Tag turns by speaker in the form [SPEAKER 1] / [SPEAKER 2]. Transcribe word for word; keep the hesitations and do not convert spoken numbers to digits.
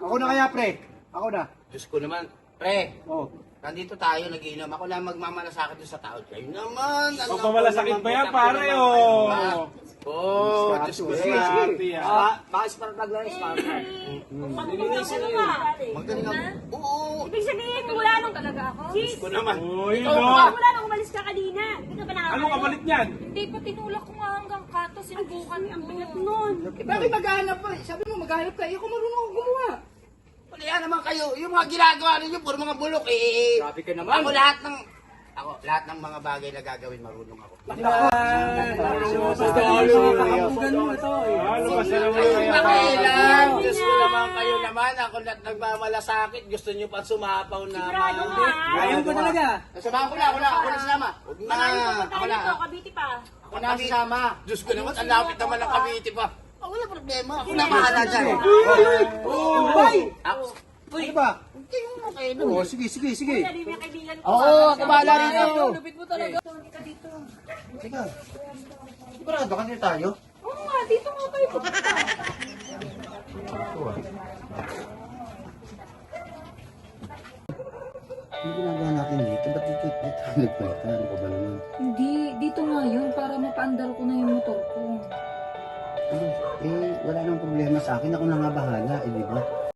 [SPEAKER 1] Ako na kaya, pre. Ako na.
[SPEAKER 2] Diyos ko naman. Pre,
[SPEAKER 1] Oh.
[SPEAKER 2] nandito tayo, nagiinom. Ako na magmamalasakit doon sa tao. Kayo naman. Ano
[SPEAKER 3] Magmamalasakit
[SPEAKER 2] naman,
[SPEAKER 3] ba yan,
[SPEAKER 2] putak
[SPEAKER 3] pare,
[SPEAKER 2] naman
[SPEAKER 3] oh?
[SPEAKER 2] kayo, ha? Oh, Diyos ko
[SPEAKER 1] Sige,
[SPEAKER 2] naman.
[SPEAKER 1] sige.
[SPEAKER 3] Ah,
[SPEAKER 1] Baka spark plug lang, spark plug.
[SPEAKER 4] Nilinisin na yun.
[SPEAKER 2] Magaling ako. Oo.
[SPEAKER 4] Ibig sabihin, wala nung talaga ako.
[SPEAKER 2] Diyos ko naman.
[SPEAKER 3] Uy,
[SPEAKER 2] Ikaw
[SPEAKER 3] no.
[SPEAKER 2] ba?
[SPEAKER 4] Wala nung umalis ka kanina. Hindi ka ba nakakala?
[SPEAKER 3] Anong kapalit niyan?
[SPEAKER 4] Hindi pa tinulak ko nga hanggang kato. Sinubukan ang bigat nun.
[SPEAKER 2] Eh, bakit maghahanap pa? Sabi mo maghahanap ka. Eh, ako marunong ako gumawa. Wala naman kayo. Yung mga ginagawa ninyo, puro mga bulok eh.
[SPEAKER 1] Grabe ka naman.
[SPEAKER 2] Ako lahat ng... Ako, lahat ng mga bagay na gagawin, marunong ako.
[SPEAKER 3] Ano ba sa naman
[SPEAKER 2] Ayun
[SPEAKER 3] kaya?
[SPEAKER 2] ba kailan? Diyos ko naman kayo naman. Ako lahat nagmamalasakit. Gusto nyo pa sumapaw na.
[SPEAKER 4] Sigurado ka.
[SPEAKER 1] Ayaw ko talaga.
[SPEAKER 2] Samahan ko na, ako na, ako na sinama. Huwag na,
[SPEAKER 4] Marami pa
[SPEAKER 2] ako
[SPEAKER 4] tayo
[SPEAKER 2] na.
[SPEAKER 4] dito, Cavite pa.
[SPEAKER 2] Ako na sasama. Diyos ko naman, ang lapit naman ng Cavite pa. Oh, wala problema. Ako na bahala dyan.
[SPEAKER 1] Hoy!
[SPEAKER 2] Ako,
[SPEAKER 1] Ano ba?
[SPEAKER 2] hindi mo kayo
[SPEAKER 1] Oo, sige, sige, sige.
[SPEAKER 4] Kuya, di mo yung kaibigan ko.
[SPEAKER 1] Oo, ako bahala rito.
[SPEAKER 4] Lupit mo talaga. Hindi ka dito.
[SPEAKER 1] Teka. Sigurado ka nila tayo?
[SPEAKER 4] Oo nga, dito nga kayo pupunta.
[SPEAKER 1] Ano ginagawa natin dito? Ba't dito dito nagpalitan? Ano ba naman?
[SPEAKER 5] Hindi, dito nga yun para mapaandar ko na yung motor ko.
[SPEAKER 1] Ano? Eh, wala nang problema sa akin. Ako na nga bahala, eh, di ba?